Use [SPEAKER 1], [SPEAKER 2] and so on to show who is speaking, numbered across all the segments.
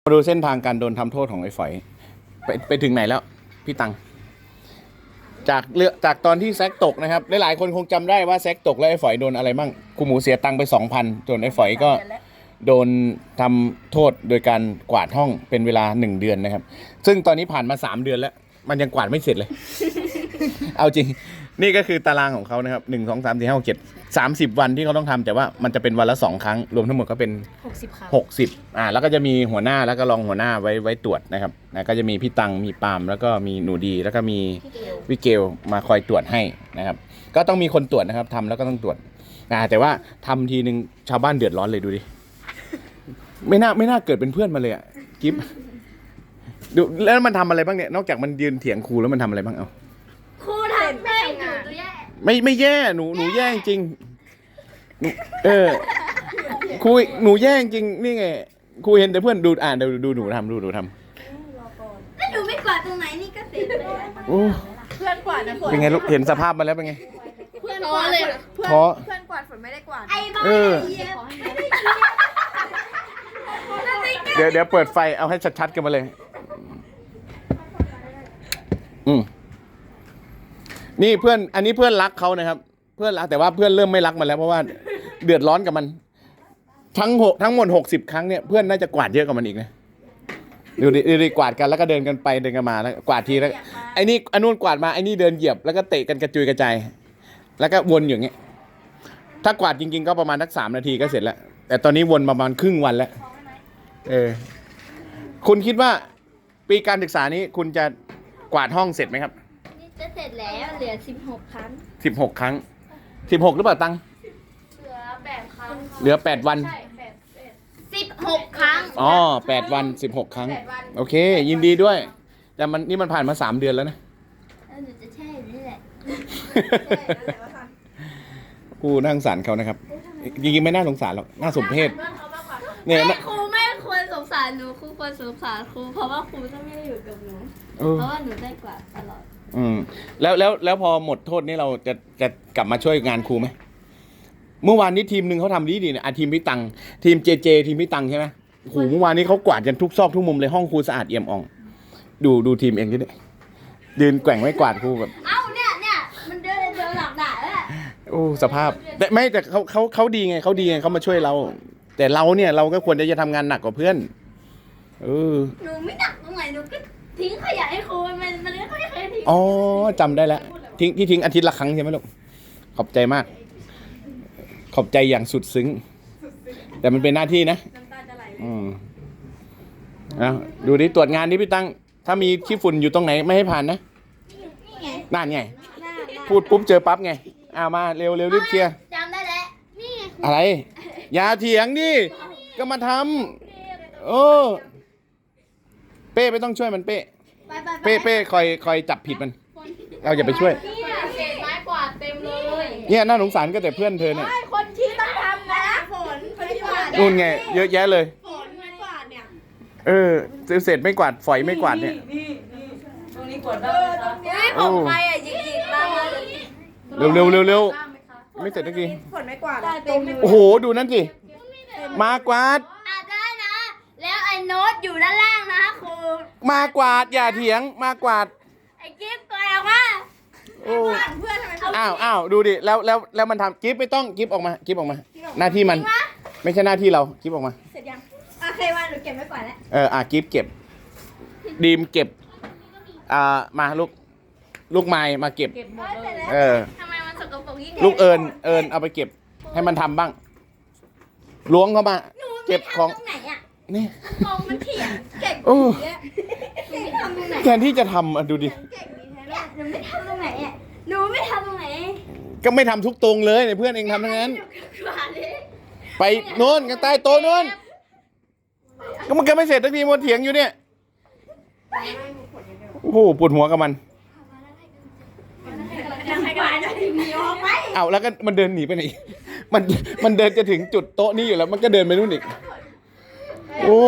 [SPEAKER 1] มาดูเส้นทางการโดนทำโทษของไอ้ฝอยไปถึงไหนแล้วพี่ตังจากตอนที่แซกตกนะครับหลายๆคนคงจำได้ว่าแซกตกแล้วไอ้ฝอยโดนอะไรบ้างครูหมูเสียตังค์ไป 2,000ส่วนไอ้ฝอยก็โดนทำโทษโดยการกวาดห้องเป็นเวลา1 เดือนนะครับซึ่งตอนนี้ผ่านมา3 เดือนแล้วมันยังกวาดไม่เสร็จเลย เอาจริงนี่ก็คือตารางของเขานะครับ1 2 3 4 5 6 7 30 วันที่เขาต้องทำแต่ว่ามันจะเป็นวันละ2 ครั้งรวมทั้งหมดก็เป็น
[SPEAKER 2] 60 ครั้ง
[SPEAKER 1] 60แล้วก็จะมีหัวหน้าแล้วก็รองหัวหน้าไว้ตรวจนะครับก็จะมีพี่ตังมีปาล์มแล้วก็มีหนูดีแล้วก็มีวิเกลมาคอยตรวจให้นะครับก็ต้องมีคนตรวจนะครับทำแล้วก็ต้องตรวจแต่ว่าทำทีนึงชาวบ้านเดือดร้อนเลยดูดิไม่น่าเกิดเป็นเพื่อนมาเลยอ่ะกิ๊บดูแล้วมันทำอะไรบ้างเนี่ยนอกจากมันยืนเถียงครูแล้วมันทำอะไรบ้างเอา
[SPEAKER 2] ครูทำให้หนูตัวแย่
[SPEAKER 1] ไม่แย่หนูแย่จริงครูหนูแย่จริงนี่ไงครูเห็นแต่เพื่อนดูดูหนูทำดูทำ
[SPEAKER 2] แล้วหนูไม่กวาดตรงไหนนี่ก็เสร็จเลย
[SPEAKER 3] เพื่อนกวาดนะฝน
[SPEAKER 1] เป็นไงลูกเห็นสภาพมันแล้วเป็นไง
[SPEAKER 3] เพื่อนกวาดเลยเพื่อนกวาดฝนไม่ได้กวาด
[SPEAKER 2] ไอ้บ้า
[SPEAKER 1] เดี๋ยวเปิดไฟเอาให้ชัดๆกันมาเลยนี่เพื่อนอันนี้เพื่อนรักเขานะครับเพื่อนรักแต่ว่าเพื่อนเริ่มไม่รักมันแล้วเพราะว่าเดือดร้อนกับมันทั้งหมด60 ครั้งเนี่ยเพื่อนน่าจะกวาดเยอะกว่ามันอีกนะดูดิกวาดกันแล้วก็เดินกันไปเดินกันมาแล้วกวาดทีแล้วไอ้นี่อันนู้นกวาดมาไอ้นี่เดินเหยียบแล้วก็เตะกันกระจุยกระจายแล้วก็วนอย่างเงี้ยถ้ากวาดจริงๆก็ประมาณสัก3 นาทีก็เสร็จแล้วแต่ตอนนี้วนประมาณครึ่งวันแล้วคุณคิดว่าปีการศึกษานี้คุณจะกวาดห้องเสร็จไหมครับ
[SPEAKER 2] จะเสร็จแล้วเหลือ16 ครั้ง
[SPEAKER 1] 16 ครั้ง16หรือเปล่าตัง
[SPEAKER 2] เหลือ8 ครั้ง
[SPEAKER 1] เหลือ8 วัน
[SPEAKER 2] ใช่16 ครั้ง
[SPEAKER 1] 8 วัน16 ครั้งโอเคยินดีด้วยแต่นี่มันผ่านมา3 เดือนแล้วนะ
[SPEAKER 2] หนูจะแช่นี่แหละ
[SPEAKER 1] กูน่าสงสารเขานะครับจริงๆไม่น่าสงสารหรอกน่าสมเพช
[SPEAKER 2] เนี่ยครูไม่ควรสงสารหนูครูควรสงสารครูเพราะว่าครูจะไม่ได้อยู่กับหนูเพราะว่าหนูได้กว่าตลอด
[SPEAKER 1] แล้วพอหมดโทษนี่เราจะกลับมาช่วยงานครูไหมเมื่อวานนี้ทีมหนึ่งเขาทำดีเนี่ยทีมพี่ตังทีมเจทีมพี่ตังใช่ไหมโอ้โหเมื่อวานนี้เขากวาดกันทุกซอกทุกมุมเลยห้องครูสะอาดเอี่ยมอ่องดูทีมเองด้วยยืนแกว่งไม่กวาดครูแบบ
[SPEAKER 2] เนี่ยมันเดินหลังด่าแล้ว
[SPEAKER 1] โอ้สภาพแต่เขาดีไงเขามาช่วยเราแต่เราเนี่ยเราก็ควรจะทำงานหนักกว่าเพื่อน
[SPEAKER 2] หนูไม่หนักตรงไหนหนูก็ทิ้งขยะให้ครูมันก็ไม่เคยทิ้ง
[SPEAKER 1] จำได้แล้วทิ้งอาทิตย์ละครั้งใช่ไหมลูกขอบใจมากขอบใจอย่างสุดซึ้งแต่มันเป็นหน้าที่นะ
[SPEAKER 3] น้ำตาจะไหล
[SPEAKER 1] ดูดิตรวจงานนี้พี่ตั้งถ้ามีขี้ฝุ่นอยู่ตรงไหนไม่ให้ผ่านนะนั่นไงพูดปุ๊บเจอปั๊บไงมาเร็วรีบเคลียร์
[SPEAKER 2] จำได้แล้วนี่
[SPEAKER 1] อะไรอย่าเถียงดิก็มาทำเป้ไม่ต้องช่วยมันเป้คอยจับผิดมันเราอย่าไปช่วย
[SPEAKER 2] เศษไม้กวาดเต็มเลย
[SPEAKER 1] เนี่ยน่าสงสารก็แต่เพื่อนเธอเนี่ย
[SPEAKER 3] คนที่ต้องทำนะฝนที่กวาด
[SPEAKER 1] นู่นไงเยอะแยะเลย
[SPEAKER 3] ฝนไม้กวาดเนี่ย
[SPEAKER 1] เศษไม่กวาดฝอยไม่กวาดเนี่ย
[SPEAKER 3] ตรงนี้กวาดได้ของใครยิงบ้าง
[SPEAKER 1] เร็วไม่เสร็จสักที
[SPEAKER 3] ฝนไม่กวาด
[SPEAKER 1] โอ้โหดูนั่นสิมากวาด
[SPEAKER 2] ได้นะแล้วไอ้โน้ตอยู่ด้านล่างนะครู
[SPEAKER 1] มากวาดอย่าเถียงมากวาด
[SPEAKER 2] ไอ้กิ๊บตัวออกมา
[SPEAKER 3] เพื่อนทำไม
[SPEAKER 1] อ้าวดูดิแล้วมันทำกิ๊บไม่ต้องกิ๊บออกมาหน้าที่มันไม่ใช่หน้าที่เรากิ๊บออกมา
[SPEAKER 3] เสร็จยังเคยว่าหนูเก็บไว้ก่อน
[SPEAKER 1] แล้วกิ๊บเก็บดีมเก็บมาลูกไม้มาเก็บ
[SPEAKER 2] ทำไมมันสกปรกยิ่ง
[SPEAKER 1] ลูกเอิญเอาไปเก็บให้มันทำบ้างล้วงเข้ามาเก็บของนี่
[SPEAKER 2] กองมันเถียง
[SPEAKER 3] เก่ง
[SPEAKER 1] แทนที่จะทำดูดิ
[SPEAKER 2] หนูไม่ทำตรงไหนหนูไม่ทำตรงไหน
[SPEAKER 1] ก็ไม่ทำทุกตรงเลยเพื่อนเองทำทั้งนั้นไปโน่นกันใต้โต๊ะโน่นก็มันก็ไม่เสร็จสักทีมันเถียงอยู่เนี่ยโอ้โหปวดหัวกับมันแล้วก็มันเดินหนีไปไหนมันเดินจะถึงจุดโต๊ะนี้อยู่แล้วมันก็เดินไปนู่นอีกโอ้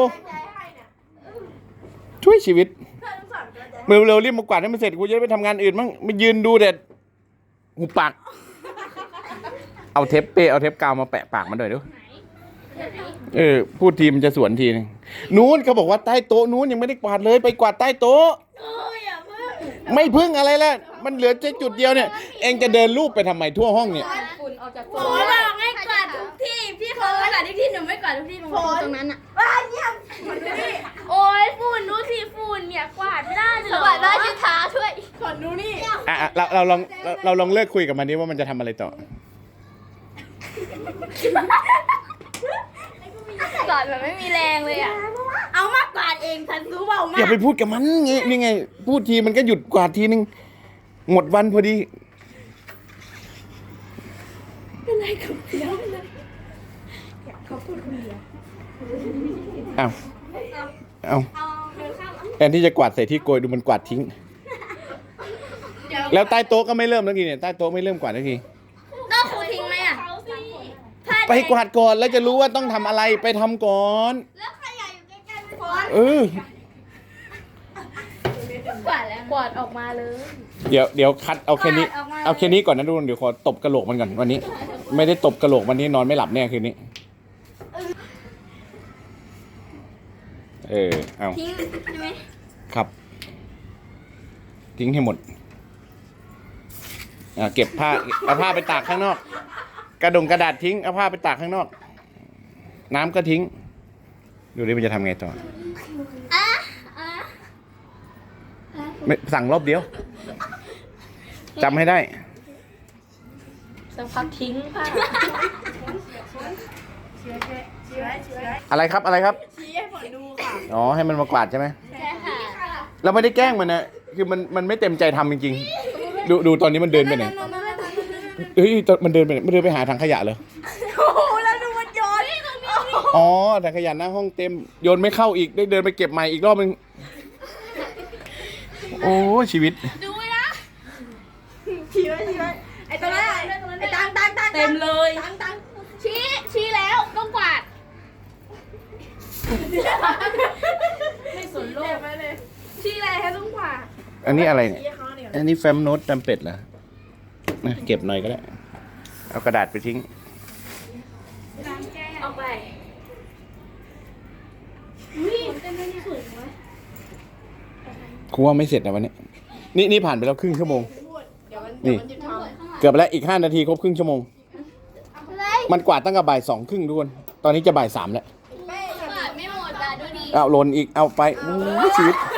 [SPEAKER 1] ช่วยชีวิตเร็วรีบมากวาดให้มันเสร็จกูจะได้ไปทำงานอื่นมั่งไม่ยืนดูเด็ดหูปากเอาเทปกาวมาแปะปากมันหน่อยดูพูดทีมันจะสวนทีนึงนู้นเขาบอกว่าใต้โต๊ะนู้นยังไม่ได้กวาดเลยไปกวาดใต้โต๊ะ
[SPEAKER 2] โอ้ยอย่าเพิ่ง
[SPEAKER 1] ไม่พึ่งอะไรแล้วมันเหลือแค่จุดเดียวเนี่ย เองจะเดินรูปไปทำไมทั่วห้องเนี่ย
[SPEAKER 3] ฝุ่นออกจาก
[SPEAKER 2] โอ้ยบอกให้กวาดทุกที่พี่เขากวาดทุกที่หนูไม่กวาดทุกที่ตรงนั้นอ่ะโอ้ยฝุ่นดูสิฝุ่นเนี่ยกวาดไม่ได้เลยกวาดได้ที่เท้าช่วยขอดูนี่
[SPEAKER 1] เราลองเลิกคุยกับมันดิว่ามันจะทำอะไรต่อ
[SPEAKER 2] กวาดแบบไม่มีแรงเลยอ่ะเอามากวาดเองทันรู้เปล่ามา
[SPEAKER 1] อย่าไปพูดกับมันไงนี่ไง พูดทีมันก็หยุดกวาดทีนึงหมดวันพอดีเป็นไรกับเดียวเอาแทนที่จะกวาดใส่ที่โกยดูมันกวาดทิ้ง แล้วใต้โต๊ะก็ไม่เริ่มแล้วทีเนี่ยใต้โต๊ะไม่เริ่มกวาดแล้วที
[SPEAKER 2] ต้องครูทิ้งไหมอ่ะ
[SPEAKER 1] ไปกวาดก่อนแล้วจะรู้ว่าต้องทำอะไรไปทำก่อน
[SPEAKER 2] แล้วขยะอยู่ใกล้ๆไม่พอ
[SPEAKER 1] เออก
[SPEAKER 2] วาดแล้วกวาดออกมาเลย
[SPEAKER 1] เดี๋ยวคัดเอาแค่นี้
[SPEAKER 2] กวาดออกมา
[SPEAKER 1] เอาแค่นี้ก่อนนะทุกคนเดี๋ยวขอตบกระโหลกมันก่อนวันนี้ ไม่ได้ตบกระโหลกวันนี้นอนไม่หลับแน่คืนนี้เอา
[SPEAKER 2] ทิ้งใช่ไหม
[SPEAKER 1] ครับ ทิ้งให้หมดเก็บผ้าเอาผ้าไปตากข้างนอก กระดาษทิ้งเอาผ้าไปตากข้างนอก น้ำก็ทิ้ง ดูดิมันจะทำไงต่อ
[SPEAKER 2] อ่ะ
[SPEAKER 1] ไม่สั่งรอบเดียวจำให้ได้
[SPEAKER 3] สักพักทิ้งผ้า
[SPEAKER 1] อะไรครับอะไรครับ
[SPEAKER 3] ชี้ให้ฝนดูค่ะ
[SPEAKER 1] อ๋อให้มันมากวาดใช่ไหม
[SPEAKER 2] ใช่ค่ะ
[SPEAKER 1] เราไม่ได้แกล้งมันนะคือมันไม่เต็มใจทำจริงๆดูตอนนี้มันเดินไปไหนเฮ้ยมันเดินไปไหนมันเดินไปหาถังขยะเลย
[SPEAKER 2] โอ้โหแล้วดูมันโยนตรงนี้
[SPEAKER 1] อ๋อถังขยะหน้าห้องเต็มโยนไม่เข้าอีกได้เดินไปเก็บใหม่อีกรอบนึงโอ้ชีวิต
[SPEAKER 2] ดูนะ
[SPEAKER 3] ชี้ไว้ไอ้ตัวนั้นไอ้ตังเต็มเลย
[SPEAKER 2] ชี้แล้วต้องกวาด
[SPEAKER 3] ไม่สนโลก
[SPEAKER 2] ชี้อะไรให้ต้องกวาด
[SPEAKER 1] อันนี้อะไรเนี่ย
[SPEAKER 3] ชี้เขาเนี่ย
[SPEAKER 1] อันนี้แฟ้มโน้ตจำเป็ดเหรอเก็บหน่อยก็ได้เอากระดาษไปทิ้ง
[SPEAKER 2] ออกไปอุ้ยเต้นได้สวยไหม
[SPEAKER 1] ครูว่าไม่เสร็จนะวันนี้นี่ผ่านไปแล้วครึ่งชั่วโมง
[SPEAKER 3] เดี๋ยวมัน
[SPEAKER 1] นี่
[SPEAKER 3] หยุดทำ
[SPEAKER 1] เกือบแล้วอีก5 นาทีครบครึ่งชั่วโมง
[SPEAKER 2] อะไร
[SPEAKER 1] มันกวาดตั้งแต่บ่าย 2 ครึ่งทุกคนตอนนี้จะบ่าย 3แล้ว
[SPEAKER 2] กวาดไม่หมดอ่ะดูดิ
[SPEAKER 1] เอาหล่นอีกเอาไปโอ้ยชีวิต
[SPEAKER 2] ก